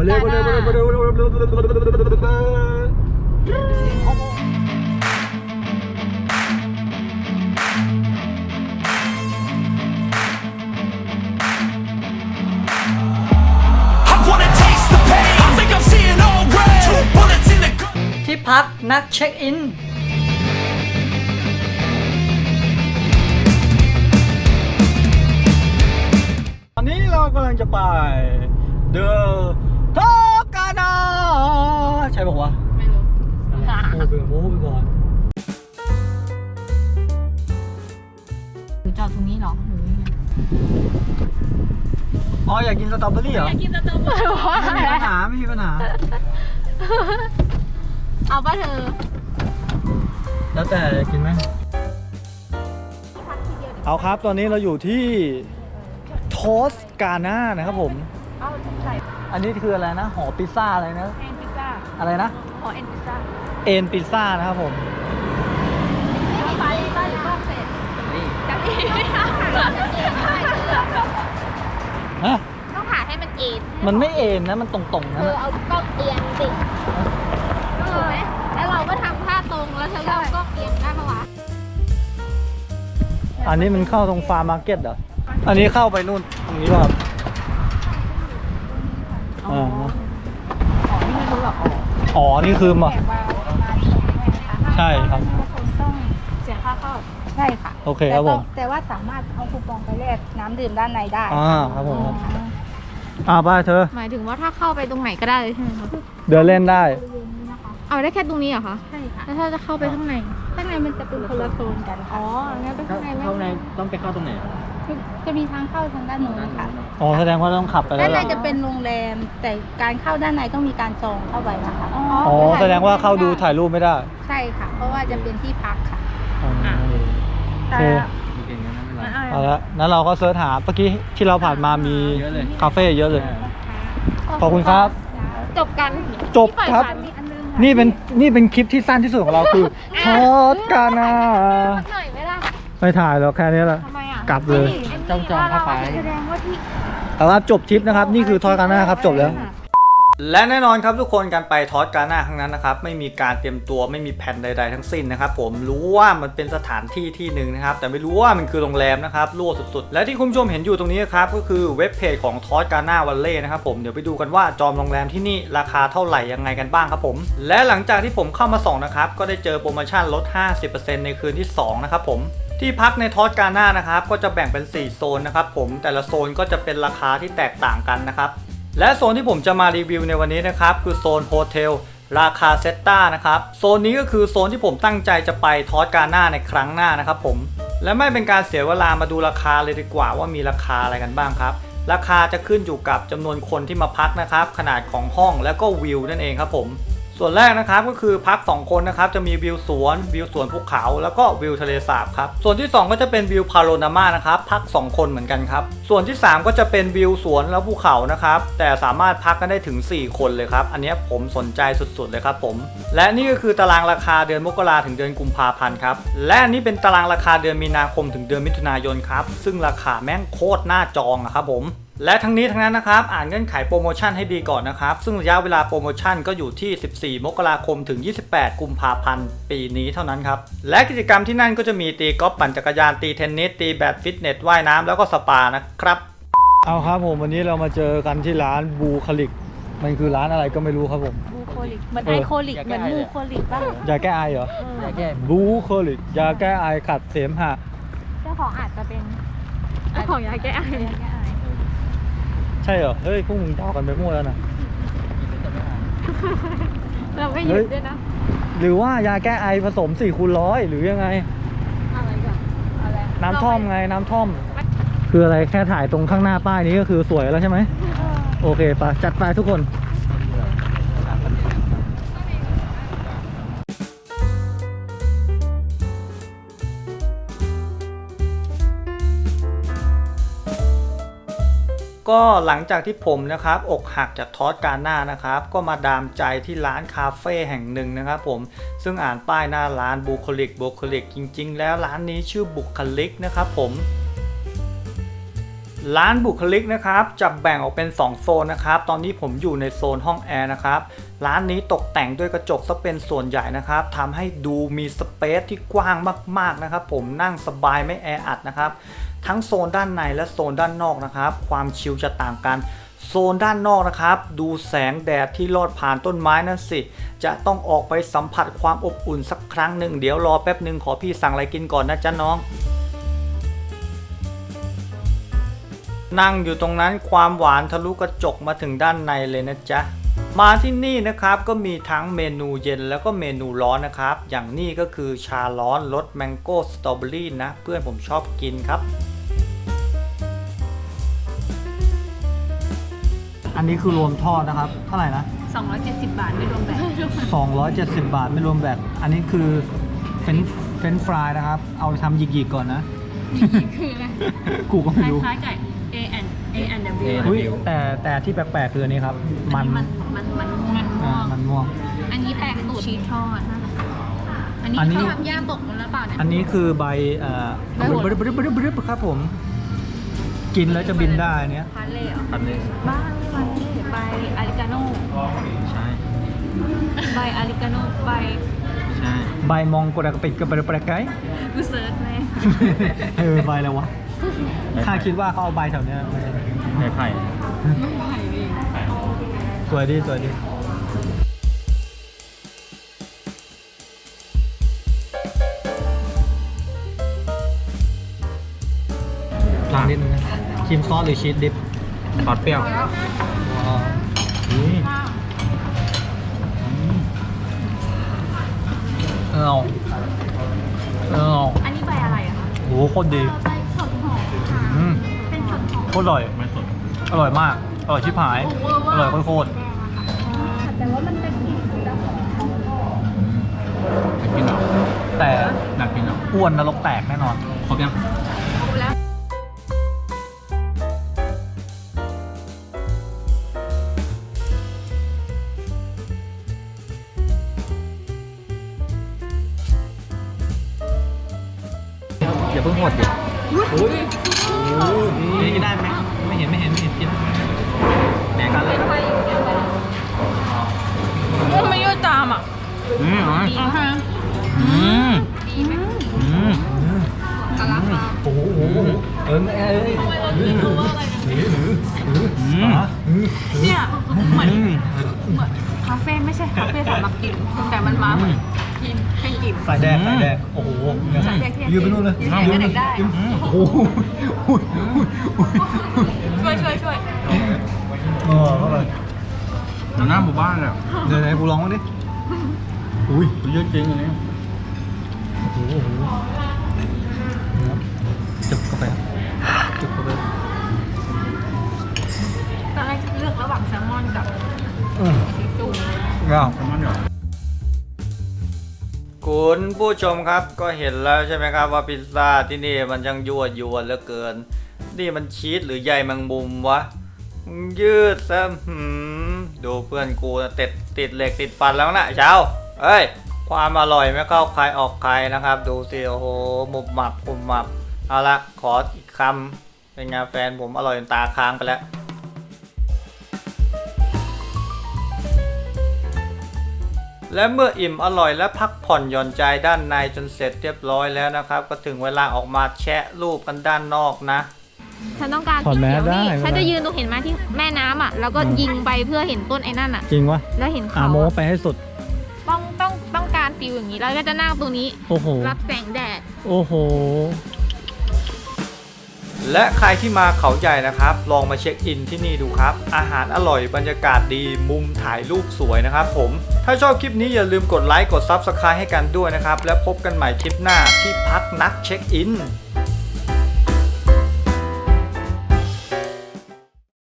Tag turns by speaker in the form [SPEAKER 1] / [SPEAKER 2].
[SPEAKER 1] เร็วมาเร็วมาเร็วมาเร็วมาเร็วมาเร็วมาเร็วมาเร็วที่พักนักเช็คอินตอนนี้เรากำลังจะไปเดอะทอกานาใช่บอกว่าไม่รู้โม้ไปก่อน
[SPEAKER 2] หรือจอดตรงนี้หรอหรือยังไง
[SPEAKER 1] อ๋ออยากกินสตรอเบอรี่เหรออยากกินสตรอเบอรี่ไม่มีปัญหาไม่มีปัญหา
[SPEAKER 2] เอาป่ะเธอ
[SPEAKER 1] แล้วแต่อยากกินไหมเอาครับตอนนี้เราอยู่ที่โทสกาน่านะครับผมอันนี้คืออะไรนะหอพิซซ่าอะไรนะ
[SPEAKER 2] เอ็นพิซซ่า
[SPEAKER 1] อะไรนะ
[SPEAKER 2] หอเอ็นพิซซ่า
[SPEAKER 1] เอ็นพิซซ่านะครับผม
[SPEAKER 2] ไปหรือว่าเสร็จกันอี
[SPEAKER 1] ฮะ
[SPEAKER 2] ต้องหาให้มันเอ็น
[SPEAKER 1] มันไม่เอ็นนะมันตรงๆนะ
[SPEAKER 2] เอากล้องเอียงสิถูกไหมแล้วเราก็ทำท่าตรงแล้วเธอก็เอากล้องเอียงได้ปะวะ
[SPEAKER 1] อันนี้มันเข้าตรงฟาร์มมาร์เก็ตเหรออันนี้เข้าไปนู่นตรงนี้ป่ะครับ
[SPEAKER 2] นี่ไม่รู้หรอก
[SPEAKER 1] อ๋อนี่คือมาใช่ครับ
[SPEAKER 2] ต้องเสียค่าเข้าใช่ค่ะ
[SPEAKER 1] โอเคครับผม
[SPEAKER 2] แต่ว่าสามารถเอาคูปองไปแลกน้ำดื่มด้านในได้
[SPEAKER 1] ครับผมไปเธอ
[SPEAKER 2] หมายถึงว่าถ้าเข้าไปตรงไหนก็ได้ใช่ไหมคะ
[SPEAKER 1] เดินเล่นได้
[SPEAKER 2] เอาได้แค่ตรงนี้เหรอคะใช่ค่ะแล้วถ้าจะเข้าไปข้างในมันจะเป็นคนละโซนกันอ๋องั้นไปข้างในไม่
[SPEAKER 1] ต้องไปเข้าตรงไหน
[SPEAKER 2] จะมีทางเข้าทางด้านโน้นค่ะ
[SPEAKER 1] อ๋อแสดงว่าต้องขับไป
[SPEAKER 2] ด้านในจะเป็นโรงแรมแต่การเข้าด้านในต้องมีการจองเข้าไปนะคะ
[SPEAKER 1] อ๋อแสดงว่าเข้าดูถ่ายรูปไม่ได้
[SPEAKER 2] ใช่ค่ะเพราะว่าจะเป็นที่พักค่ะ
[SPEAKER 1] โอเคเอาละนั้นเราก็เสิร์ชหาเมื่อกี้ที่เราผ่านมามีคาเฟ่เยอะเลยขอบคุณครับ
[SPEAKER 2] จบกัน
[SPEAKER 1] จบครับนี่เป็นคลิปที่สั้นที่สุดของเราคือทอดกานาไม่ถ่ายแล้วแค่นี้แหละกลับเลย
[SPEAKER 2] จองเข้าไปแสดงว่าที่
[SPEAKER 1] เอาละจบทริปนะครับนี่คือทอดกานาครับจบแล้วและแน่นอนครับทุกคนการไปทอสกาน่าครั้งนั้นนะครับไม่มีการเตรียมตัวไม่มีแผนใดๆทั้งสิ้นนะครับผมรู้ว่ามันเป็นสถานที่ที่หนึ่งนะครับแต่ไม่รู้ว่ามันคือโรงแรมนะครับรั่วสุดๆและที่คุณผู้ชมเห็นอยู่ตรงนี้ครับก็คือเว็บเพจของทอสกาน่าวันเล่นะครับผมเดี๋ยวไปดูกันว่าจองโรงแรมที่นี่ราคาเท่าไหร่ยังไงกันบ้างครับผมและหลังจากที่ผมเข้ามาส่องนะครับก็ได้เจอโปรโมชั่นลด 50% ในคืนที่2นะครับผมที่พักในทอสกาน่านะครับก็จะแบ่งเป็น4โซนนะครับผมแต่ละโซนก็จะเป็นราคาที่แตกต่างกันนะครับและโซนที่ผมจะมารีวิวในวันนี้นะครับคือโซนโฮเทลราคาเซตตานะครับโซนนี้ก็คือโซนที่ผมตั้งใจจะไปทอสกาน่าในครั้งหน้านะครับผมและไม่เป็นการเสียเวลามาดูราคาเลยดีกว่าว่ามีราคาอะไรกันบ้างครับราคาจะขึ้นอยู่กับจำนวนคนที่มาพักนะครับขนาดของห้องแล้วก็วิวนั่นเองครับผมส่วนแรกนะครับก็คือพัก2คนนะครับจะมีวิวสวนภูเขาแล้วก็วิวทะเลสาบครับส่วนที่2ก็จะเป็นวิวพาโรนามานะครับพัก2คนเหมือนกันครับส่วนที่3ก็จะเป็นวิวสวนแล้วภูเขานะครับแต่สามารถพักกันได้ถึง4คนเลยครับอันนี้ผมสนใจสุดๆเลยครับผมและนี่ก็คือตารางราคาเดือนมกราถึงเดือนกุมภาพันธ์ครับและนี่เป็นตารางราคาเดือนมีนาคมถึงเดือนมิถุนายนครับซึ่งราคาแม่งโคตรน่าจองครับผมและทั้งนี้ทั้งนั้นนะครับอ่านเงื่อนไขโปรโมชั่นให้ดีก่อนนะครับซึ่งระยะเวลาโปรโมชั่นก็อยู่ที่14มกราคมถึง28กุมภาพันธ์ปีนี้เท่านั้นครับและกิจกรรมที่นั่นก็จะมีตีกอล์ฟปั่นจักรยานตีเทนนิสตีแบดฟิตเนสว่ายน้ำแล้วก็สปานะครับเอาครับผมวันนี้เรามาเจอกันที่ร้านบูคลิกมันคือร้านอะไรก็ไม่รู้ครับผม
[SPEAKER 2] บูโคลิกเหมือนไอโคลิกเหมือนบูโคลิกป่ะ
[SPEAKER 1] ยาแก้ไอเหรอยาแก้บูโคลิกยาแก้ไอขัดเสมหะ
[SPEAKER 2] เจ้าของอาจจะเป็นเจ้าของยาแก้ไอ
[SPEAKER 1] ใช่เหรอเฮ้ยพวกมึงต่อกันไปมั่วแล้วนะ
[SPEAKER 2] เราไม่หยุดด้วยนะ
[SPEAKER 1] หรือว่ายาแก้ไอผสม4x100หรือยังไง
[SPEAKER 2] อะไรกันอะไร
[SPEAKER 1] น้ำท่อมไงน้ำท่อมคืออะไรแค่ถ่ายตรงข้างหน้าป้ายนี้ก็คือสวยแล้วใช่ไหมโอเคไปจัดไปทุกคนก็หลังจากที่ผมนะครับอกหักจากทอสกาน่านะครับก็มาดามใจที่ร้านคาเฟ่แห่งหนึ่งนะครับผมซึ่งอ่านป้ายหน้าร้านบุคลิกจริงๆแล้วร้านนี้ชื่อบุคลิกนะครับผมร้านบุคลิกนะครับจะแบ่งออกเป็น2โซนนะครับตอนนี้ผมอยู่ในโซนห้องแอร์นะครับร้านนี้ตกแต่งด้วยกระจกซะเป็นส่วนใหญ่นะครับทำให้ดูมีสเปซที่กว้างมากๆนะครับผมนั่งสบายไม่แออัดนะครับทั้งโซนด้านในและโซนด้านนอกนะครับความชิลจะต่างกันโซนด้านนอกนะครับดูแสงแดดที่ลอดผ่านต้นไม้นั่นสิจะต้องออกไปสัมผัสความอบอุ่นสักครั้งหนึ่งเดี๋ยวรอแป๊บหนึ่งขอพี่สั่งอะไรกินก่อนนะจ๊ะน้องนั่งอยู่ตรงนั้นความหวานทะลุกระจกมาถึงด้านในเลยนะจ๊ะมาที่นี่นะครับก็มีทั้งเมนูเย็นแล้วก็เมนูร้อนนะครับอย่างนี้ก็คือชาร้อนรสแมงโก้สตรอเบอรี่นะเพื่อนผมชอบกินครับอันนี้คือรวมทอดนะครับเท่าไหร่นะ
[SPEAKER 2] 270 บาทไม่รวมแบต
[SPEAKER 1] 270 บาทไม่รวมแบตอันนี้คือเฟรนช์ฟรายนะครับเอาไปทำหยิกๆก่อนนะ
[SPEAKER 2] คืออะไร
[SPEAKER 1] กูก็ไม่รู้
[SPEAKER 2] คล้ายๆกับ A&W
[SPEAKER 1] อุ๊ยแต่ที่แปลกๆคืออันนี้ครับมันม่วง
[SPEAKER 2] อันนี้แปลกสูตรชีสทอดอันนี้เขาทำย่างตกมันแล้วเปล่าเนี่ย
[SPEAKER 1] อันนี้คือใบครับผมกินแล้วจะบินได้เนี้ย
[SPEAKER 2] พาเล่เหรอ
[SPEAKER 1] อันนี้
[SPEAKER 2] บ้าไม่ใบอาริกาโน่
[SPEAKER 1] ใช่
[SPEAKER 2] ใบอาริกาโน่ใบ
[SPEAKER 1] ใช่ใบมองกระปิดกระปรกไก่
[SPEAKER 2] กูเซิร์ชไหม
[SPEAKER 1] ใบแล้ววะข้าคิดว่าเขาเอาใบแถวเนี้ยใบไผ่สวยดีลองนิดนึงนะครีมซอสหรือชีสดิปซอสเปรี้ยว
[SPEAKER 2] อันนี้ใบอะไรอะคะ
[SPEAKER 1] โหโคตรดี
[SPEAKER 2] ใบสดหอมเป็นสดหอม
[SPEAKER 1] โคตรอร่อยไม่สดอร่อยมากอร่อยชิบหายอร่อยโคตร
[SPEAKER 2] แต่ว่ามันเป็นกลิ่นจะหอม
[SPEAKER 1] กินหรอแต่หนักกินหรออ้วนนรกแตกแน่นอนครบยัง
[SPEAKER 2] แล้ว
[SPEAKER 1] อย่าเพิ่งหมดดินี่กินได้ไหมไม่เห็นกินแบ่งกันเลย
[SPEAKER 2] ไม่ยืดตามอ่ะดีไหมกะลักโอ้โหเนี่ยเหมือนคาเฟ่ไม่ใช่คาเฟ่สำหรับกินแต่มันมาเหมือนกินให้กิน
[SPEAKER 1] สายแดงโอ้โหยืนไปนู่นเลย
[SPEAKER 2] ยืนเด็กได้
[SPEAKER 1] โอ้โห
[SPEAKER 2] ช่วย
[SPEAKER 1] เข้าไปหน้าหมู่บ้านอ่ะเดี๋ยวไหนกูลองมั้งดิอุ้ยเยอะจริงอันนี้โอ้โหจุบเข้าไป
[SPEAKER 2] ตอนแรกเลือกระหว่างแซลมอนกับซีฟู้ด
[SPEAKER 1] แซลมอนเหรอคุณผู้ชมครับก็เห็นแล้วใช่ไหมครับว่าพิซซ่าที่นี่มันยังยั่วยวนเหลือเกินนี่มันชีสหรือใยแมงมุมวะยืดซะดูเพื่อนกูติดเหล็กติดฟันแล้วนะเช้าเอ้ยความอร่อยไม่เข้าใครออกใครนะครับดูสิโอ้โหมุบหมับเอาละขออีกคำเป็นไงแฟนผมอร่อยจนตาค้างไปแล้วและเมื่ออิ่มอร่อยและพักผ่อนหย่อนใจด้านในจนเสร็จเรียบร้อยแล้วนะครับก็ถึงเวลาออกมาแชะรูปกันด้านนอกนะ
[SPEAKER 2] ฉันต้องการสีเขียวนี่ฉันจะยืนตรงเห็นไหมที่แม่น้ำอ่ะแล้วก็ยิงไปเพื่อเห็นต้นไอ้นั่นอ่ะ
[SPEAKER 1] จริงวะ
[SPEAKER 2] แล้วเห็นเขา
[SPEAKER 1] โมไปให้สุด
[SPEAKER 2] ต้องการฟิลอย่างนี้แล้วก็จะนั่งตรงนี้
[SPEAKER 1] โอ้โห
[SPEAKER 2] รับแสงแดด
[SPEAKER 1] โอ้โหและใครที่มาเขาใหญ่นะครับลองมาเช็คอินที่นี่ดูครับอาหารอร่อยบรรยากาศดีมุมถ่ายรูปสวยนะครับผมถ้าชอบคลิปนี้อย่าลืมกดไลค์กด Subscribe ให้กันด้วยนะครับแล้วพบกันใหม่คลิปหน้าที่พักนักเช็คอิน